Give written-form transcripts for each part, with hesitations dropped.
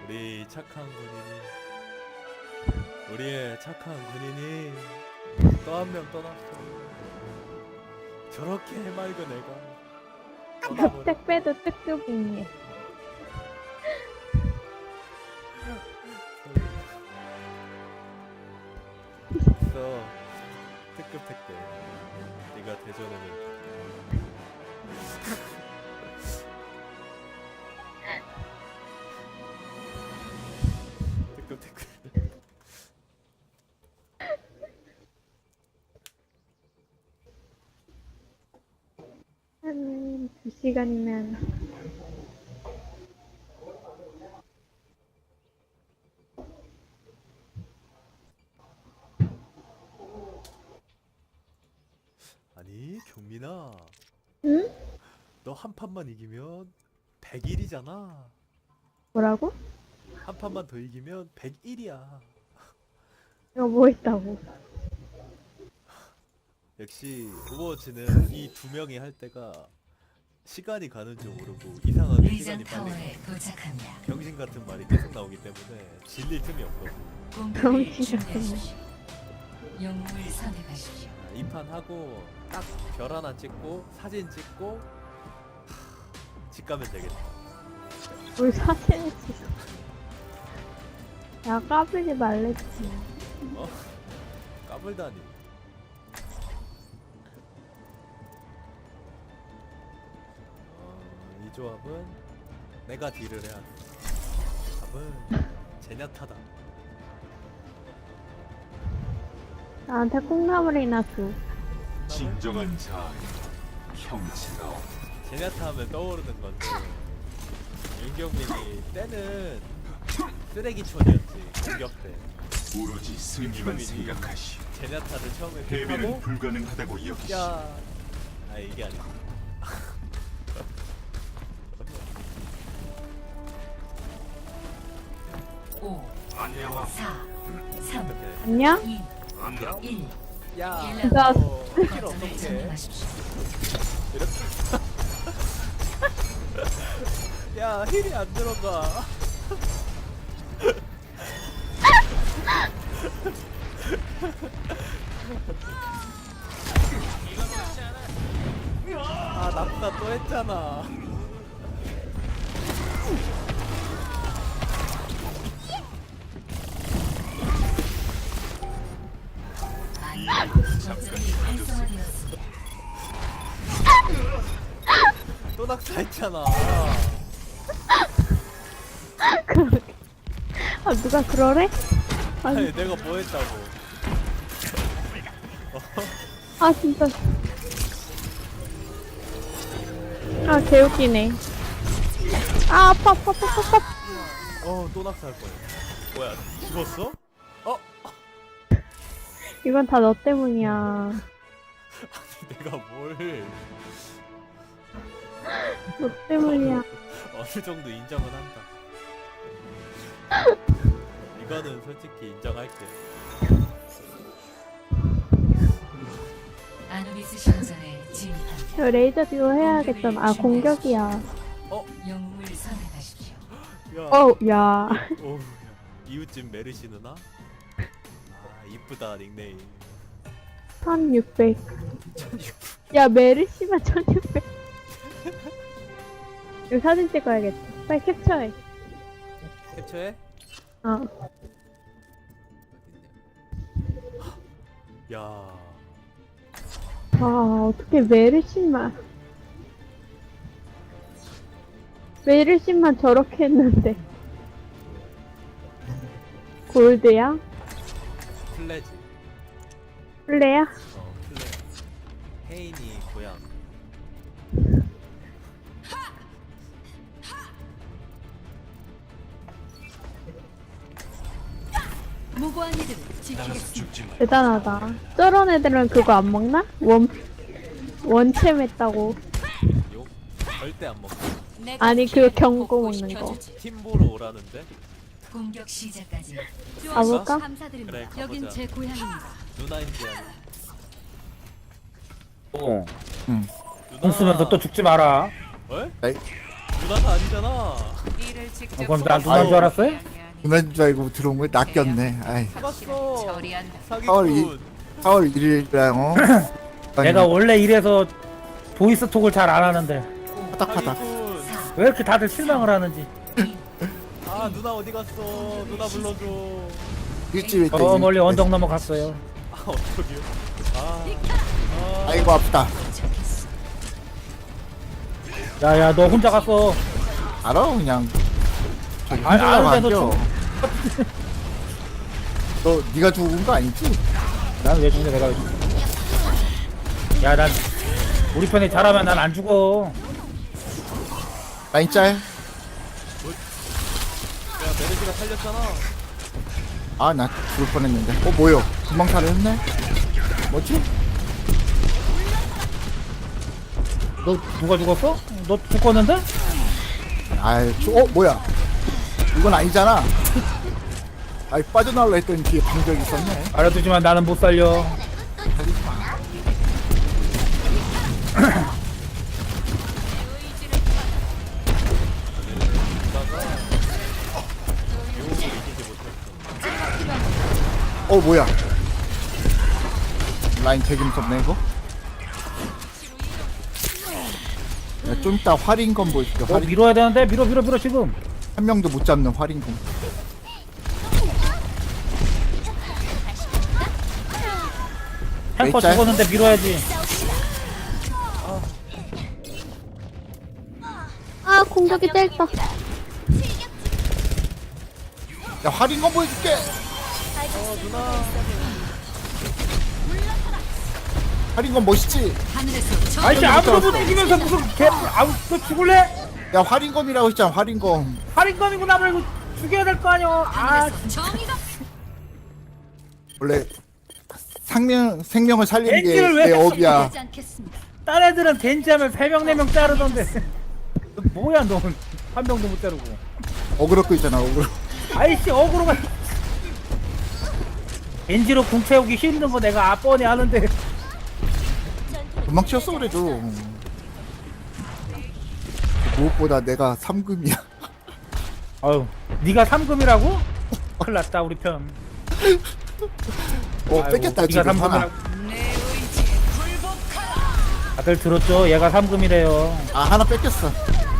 우리 착한 군인이, 우리의 착한 군인이 또 한 명 떠났어. 저렇게 해맑은 애가 떠나버려. 택배도 특급이니. 있어. 특급 택배. 네가 대전에는 특급 택배. 한 2시간이면 아니 경민아, 응? 너 한 판만 이기면 100일이잖아. 뭐라고? 한 판만 더 이기면 101이야. 이거 뭐 있다고? 역시 오버워치는 이 두 명이 할 때가 시간이 가는 줄 모르고 이상하게 리전 시간이 빨리 타워에 도착합니다. 병신 같은 말이 계속 나오기 때문에 질릴 틈이 없거든. 공격을 병신 같은 준비하십시오. 영웅을 선택하십시오. 이 판 하고 딱 별 하나 찍고 사진 찍고 집 가면 되겠다. 뭘 사진을 찍어. 야, 까불지 말랬지. 어? 까불다니. 이 조합은 내가 딜을 해야 돼. 답은 제냐타다. 나한테 콩나물이나 줘. 진정한 자아의 형체가 제냐타 하면 떠오르는 건데 윤경민이 때는 쓰레기촌이었지. 공격 때 오로지 승리만 생각하시. 제냐타를 처음에 패배는 픽하고 불가능하다고 여기시. 야, 아 이게 아니야. 오, 안녕하. 4, 3, 어떻게? 안녕? 2, 안녕. 1. 야, 나- 힐 거점을 어떻게? 점령하십시오. 이렇게? 야, 힐이 안 들어가. 아, 낙사 또 했잖아. 거점이 활성화되었습니다. 또 낙사했잖아. 그러게. 아, 누가 그러래? 아니, 아니, 내가 뭐 했다고. 아, 진짜. 아, 개웃기네. 아, 아파, 아파, 아파, 아파. 또 낙사할 거야. 뭐야, 죽었어? 어? 이건 다 너 때문이야. 아니, 내가 뭘 너 때문이야. 어느 정도 인정은 한다. 이거는 솔직히 인정할게. 아누비스 신전에 진입합니다. 저 레이저 듀오 해야겠잖아. 아, 공격이야. 영웅을 선택하십시오. 야, 어우, 야. 오, 야. 이웃집 메르시 누나? 아, 이쁘다 닉네임. 1600. 야, 메르시만 1600. 이거 사진 찍어야겠다. 빨리 캡처해. 캡처해? 어. 야, 아, 어떻게 메르시만. 메르시만 저렇게 했는데. 골드야? 플레지. 플레야? 플레. 혜인이 고향. 무고한 이들을 따라서 지키겠습니다. 죽지 말. 대단하다. 저런 애들은 그거 안 먹나? 원챔 했다고. 욕? 절대 안 먹고. 아니, 그 경고 먹는 거. 팀 보러 오라는데? 공격 시작까지 가볼까? 감사드립니다. 그래, 가보자. 여긴 제 고향입니다. 누나인지 아니. 어. 누나. 돈 쓰면서 또 죽지 마라. 왜? 누나가 아니잖아. 그럼 나 누나인 줄 알았어요? 누나인 줄 알고 들어온 거에 낚였네. 아이. 사갔어. 4월 사기꾼. 4월 1일이랑 내가 원래 이래서 보이스톡을 잘 안 하는데 파닥파닥. 사기꾼. 왜 이렇게 다들 실망을 하는지. 아 누나 어디 갔어? 누나 불러줘. 일주일 때. 저 멀리 언덕 넘어갔어요. 아 어떡해요? 아. 아이고 아프다. 야야 너 혼자 갔어. 알아 그냥. 저기 아니, 흔들려고 아는데도 앉아. 너 네가 죽은 거 아니지? 난 왜 죽냐 내가 왜 죽냐. 야난 우리 편이 잘하면 난 안 죽어. 라인 짤. 야 메르시가 살렸잖아. 아 나 죽을 뻔했는데. 뭐요? 금방 살았네. 뭐지? 너 누가 죽었어? 너 죽었는데? 뭐야? 이건 아니잖아. 아이 빠져나올라 했더니 뒤에 방벽이 있었네. 알아두지만 나는 못 살려. 뭐야? 라인 되게 무섭네 이거. 야, 좀 이따 활인검 보여줄게. 너 밀어야 되는데 밀어 지금. 한 명도 못 잡는 활인검. 탱커 짤? 죽었는데 밀어야지. 아 공격이 짧다. 야 활인검 보여줄게. 활인검 멋있지? 하늘에서 아이씨 아무도 못 죽이면서 무슨 개 아무 너 죽을래? 야 활인검이라고 했잖아 활인검. 살인범이고 나 말고 죽여야 될 거 아니야. 아 정의가 원래 생명을 살리는 게 겐지를 왜 내 업이야. 하지 않겠습니다. 딴 애들은 덴지하면 3명 4명 자르던데. 너 뭐야 넌 한 명도 못 자르고. 어그로 끄 있잖아 어그로. 아이씨 어그로가 겐지로 궁 채우기 힘든 거 내가 뻔히 아는데. 금방 치웠어 그래도. 무엇보다 내가 3금이야. 아유 네가 3금이라고? 큰일 났다 우리 편. 뺏겼다 네가 지금 하나. 3금이라고. 다들 들었죠? 얘가 3금이래요. 아 하나 뺏겼어.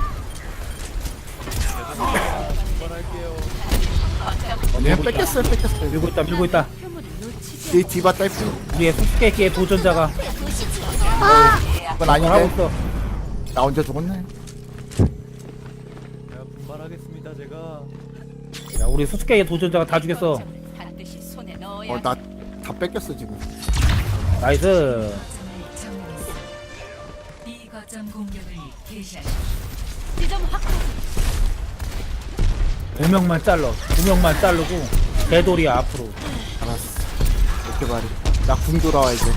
얘 뺏겼어요 뺏겼어요. 밀고 있다. 이 디바 딸피. 우리의 수수께끼의 도전자가 그건 하고 아닌데. 있어. 나 혼자 죽었네. 내가 분발하겠습니다 제가. 야 우리 수수께끼의 도전자가 다 죽였어. 반드시 손에 넣어야 나 다 뺏겼어 지금. 나이스. 이 거점 공격을 개시하십시오. 지점 확보. 2명만 잘라. 2명만 자르고 개돌이야 앞으로. 알았어. 이렇게 말이. 나 궁 돌아와 이제.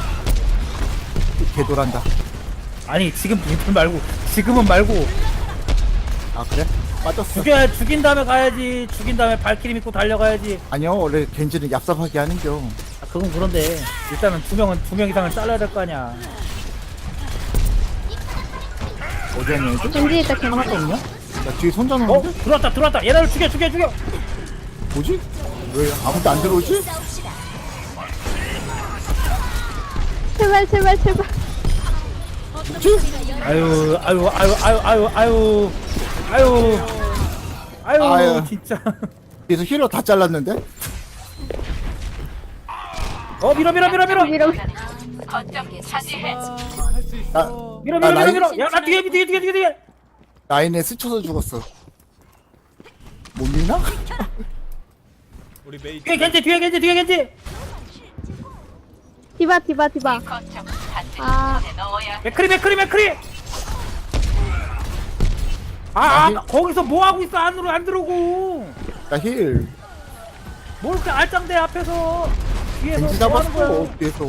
개돌한다. 아니 지금 말고 지금은 말고 아 그래? 빠졌어. 죽인 다음에 가야지. 죽인 다음에 발키리 믿고 달려가야지. 아니요 원래 겐지는 얍삽하게 하는겨. 아, 그건 그런데 일단은 두 명 이상을 잘라야 될 거 아니야. 어디 하냐 이제? 겐지 있다 겐지. 하나도 없냐? 야 뒤에 손자 어? 놓는데? 들어왔다. 얘네를 죽여. 뭐지? 왜 아무도 안 들어오지? 제발. 뭐지? 아유. 진짜. 그래서 힐러 다 잘랐는데? 밀어. 밀어. 할수 있어. 밀어. 라인- 야, 나 뒤에. 라인에 스쳐서 죽었어. 못 미나? 우리 메이. 뒤에 겐지. 디바. 아 맥크리. 거기서 뭐 하고 있어? 안으로 안 들어오고. 나 힐. 뭘 이렇게 알짱대 앞에서 뒤에서 겐지 뭐 하는 거야? 잡았어. 뒤에서.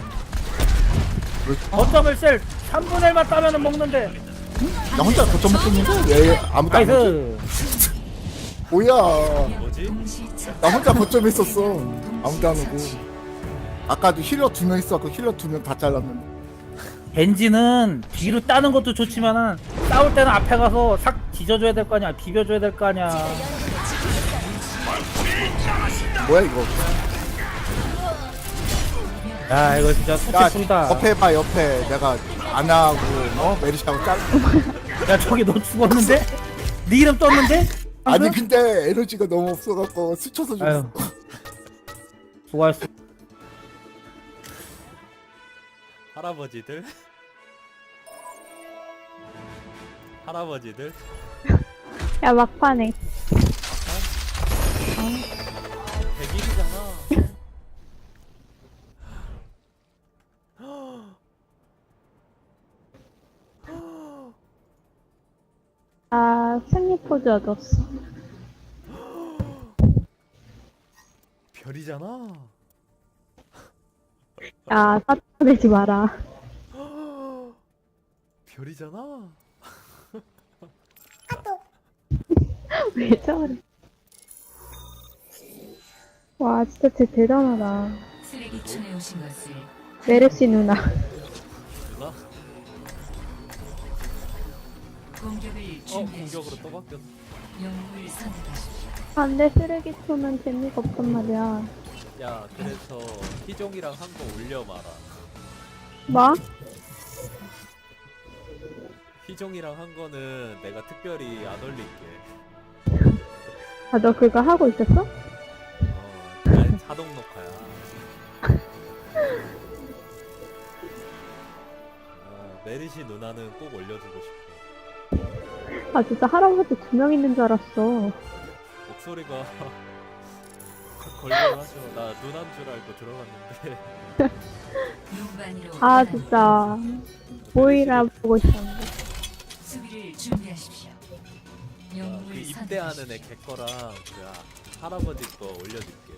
거점을 셀 3분의 1만 따면은 먹는데. 나 혼자 거점 먹고 있는데 왜 아무도 안 오지? 나이스. 뭐야? 뭐지? 나 혼자 거점에 있었어. 아무도 안 오고. 아까도 힐러 2명 있어갖고 힐러 2명 다 잘랐는데. 겐지는 뒤로 따는 것도 좋지만은 싸울 때는 앞에 가서 싹 뒤져줘야 될 거 아니야. 비벼줘야 될 거 아니야. 뭐야 이거? 야 이거 진짜 야 소태풀이다. 옆에 봐 옆에 내가 안 하고 메르시하고 짤. 야 저기 너 죽었는데? 네 이름 떴는데? 아니 근데 에너지가 너무 없어갖고 스쳐서 아유. 죽었어. 수고했어. 할아버지들 할아버지들 야 막판에 100일이잖아. 아 승리 포즈 얻었어. 별이잖아. 야 사투내지 마라. 별이잖아. 왜 저래? 와 진짜 쟤 대단하다. 쓰레기촌에 오신 것을 메르시 누나. 누나? 공격을 공격으로 준비하십시오. 또 바뀌었어. 영웅을 선택하십시오. 안돼 쓰레기통은 재미가 없단 말이야. 야, 그래서 희종이랑 한 거 올려마라. 뭐? 희종이랑 한 거는 내가 특별히 안 올릴게. 아 너 그거 하고 있었어? 난 자동 녹화야. 메리시 누나는 꼭 올려주고 싶어. 아 진짜 할아버지 2명 있는 줄 알았어. 목소리가 걸려가죠. 나 누난 줄 알고 들어갔는데. 눈반이로 아 진짜 모이라 보고 있었는데. 수비를 준비하십시오. 그 영웅을 입대하는 선택하십시오. 애 개거랑 그 할아버지 거 올려줄게.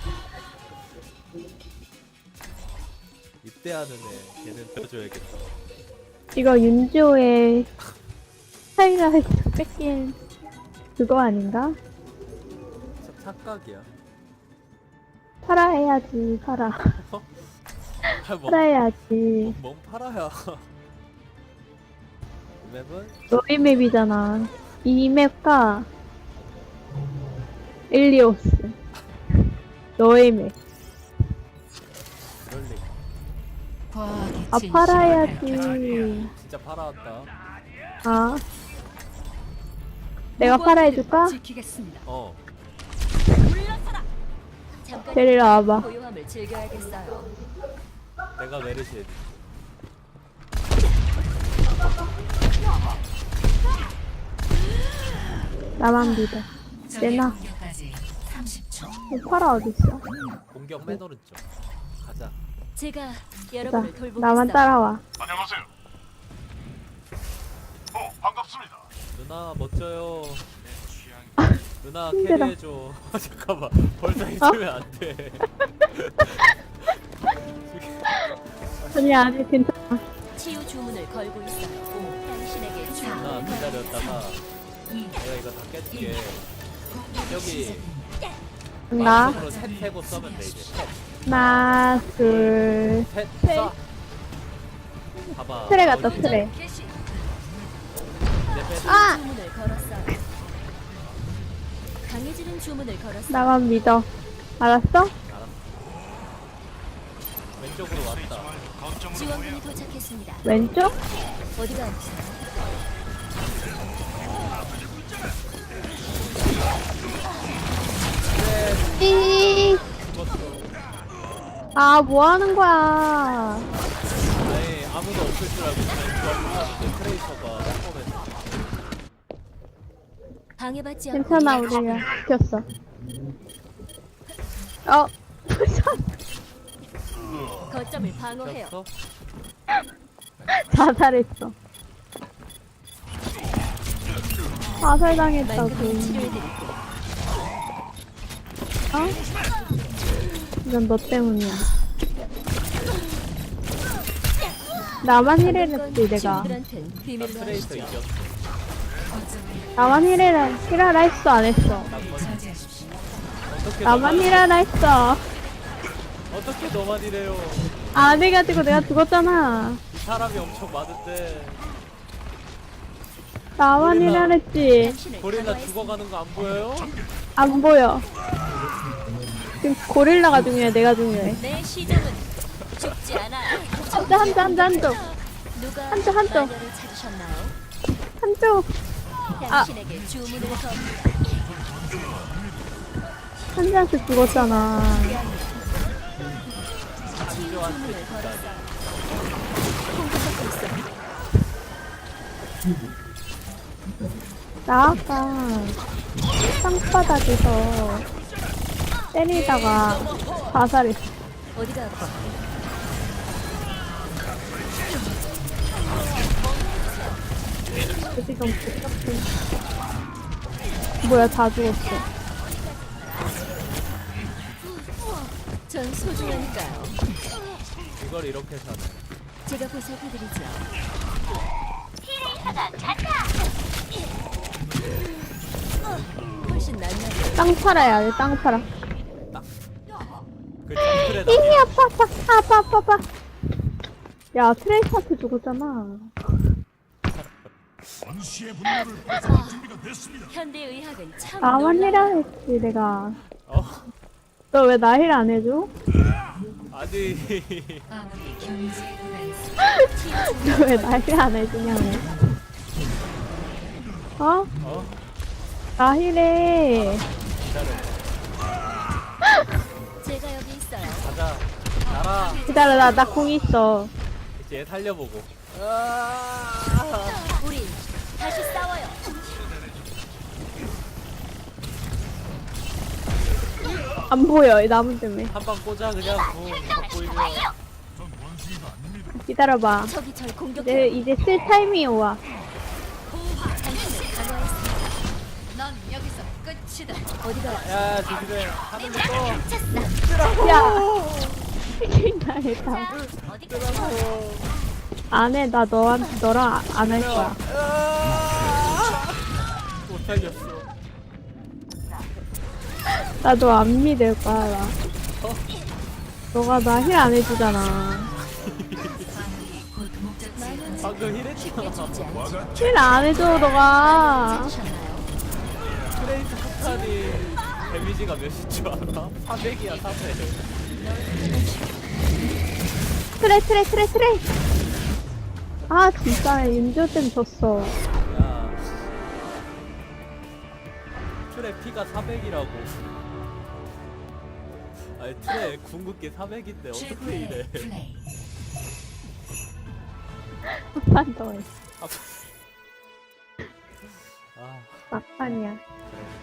입대하는 애 걔는 빼줘야겠다. 이거 윤지호의 하이라이트 뺏긴 그거 아닌가? 착각이야. 팔아 해야지 팔아. 뭐, 팔아 해야지. 뭔 팔아야. 이 맵은 너희 맵이잖아. 이 맵과 일리오스. 너의 맵. 그럴 리가. 과학의 아 진실을 팔아 밝혀라. 해야지. 진짜 팔아왔다. 아. 내가 팔아 해줄까? 지키겠습니다. 데리러 와봐. 고요함을 즐겨야겠어요. 내가 메르시 해줄게. 나만 믿어. 적의 내놔. 공격까지 30초. 팔아 어딨어? 공격 맨 오른쪽. 가자. 제가 자, 여러분을 돌보겠어요. 나만 따라와. 안녕하세요. 반갑습니다. 누나 멋져요. 누나 힘들어. 캐리해줘. 잠깐만. 벌써 해주면 안 돼. 아니 아니 괜찮아. 치유 주문을 걸고 있어요. 당신에게 누나 기다렸다가 내가 이거 다 깰게. 여기 나 마지막으로 셋 세고 써면 돼 이제. 하나 둘 셋 셋. 쏴. 봐봐. 트레 갔다 트레. 이제 빼. 아 주문을 걸었어요. 강해지는 주문을 걸었어요. 나만 믿어. 알았어? 알았어. 왼쪽으로 왔다. 지원군이 도착했습니다. 왼쪽? 어디가 아프세요? 삐. 죽었어. 아 뭐 하는 거야? 아니 아무도 없을 줄 알고 그냥 좋아하는데 트레이서가 뻔했어. 방해받지 않고 괜찮아 우리가 지켰어. 어. 거점을 방어해요. 졌어? 자살했어. 자살당했다고. 말끔히 치료해드릴게요. 어? 이건 너 때문이야. 나만 힐해냈지 내가. 친구들한텐 나 비밀로 트레이서 하시죠. 이겼어. 나만 힐해라 했어 안 했어. 어떻게 나만 힐하라 했어. 어떻게 너만 이래요? 안 해가지고 내가 죽었잖아. 이 사람이 엄청 많은데 나만이라 그랬지. 고릴라 죽어가는 거 안 보여요? 안 보여. 지금 고릴라가 중요해, 내가 중요해. 내 시종은 죽지 않아. 한쪽. 누가 한쪽. 마녀를 찾으셨나요? 한쪽. 당신에게 주문을 겁니다. 한쪽한테 죽었잖아. 안좋아한테 주문을 진짜 걸었어. 공격받고 있어. 나 아까 땅바닥에서 때리다가 자살했어. 어디가 아프지? 지금 복잡해. 뭐야, 다 죽었어. 전 소중하니까요. 이걸 이렇게 사네. 제가 보살펴드리죠. 훨씬 낫나요? 땅 팔아야 돼, 땅 팔아. 그 정글에 이히 나 아파. 야, 트레이스한테 죽었잖아. 현대의학은 참 나만 놀라워. 해라 했지, 내가. 어? 너 왜 나 힐 안 해줘? 아니 아무리 경제가 있어. 너 왜 나 힐 안 해주냐고. 어? 어? 나 힐해. 기다려 제가 여기 있어요. 가자 나라 기다려, 나 공 있어. 이제 얘 살려보고 우리 다시 싸워요. 안 보여, 이 나무 때문에. 한 방 꽂아 그냥 붕 보이면 기다려봐. 적이 절 공격해. 이제 쓸 타이밍이 와. 당신을 강화했습니다. 넌 여기서 끝이다. 어디가 야 조심해 하늘로 떠 야! 나했다. 어디가 안 해, 나 너랑 안 할 거야. 못 살렸어 나도 안 믿을 거야, 나. 너가 나 힐 안 해주잖아. 아무리 곧 목적지에 방금 힐했잖아 힐 안 해줘, 너가. 찾으셨나요? 트레이스 폭탄이 데미지가 몇인 줄 알아? 400이야 400 트레. 아, 진짜, 윤조 때문에 졌어. 야 트레 피가 400이라고 아니 트레 궁극기 400인데 어떻게 최고의 이래 플레이. 한판 더 해. 아 막판이야.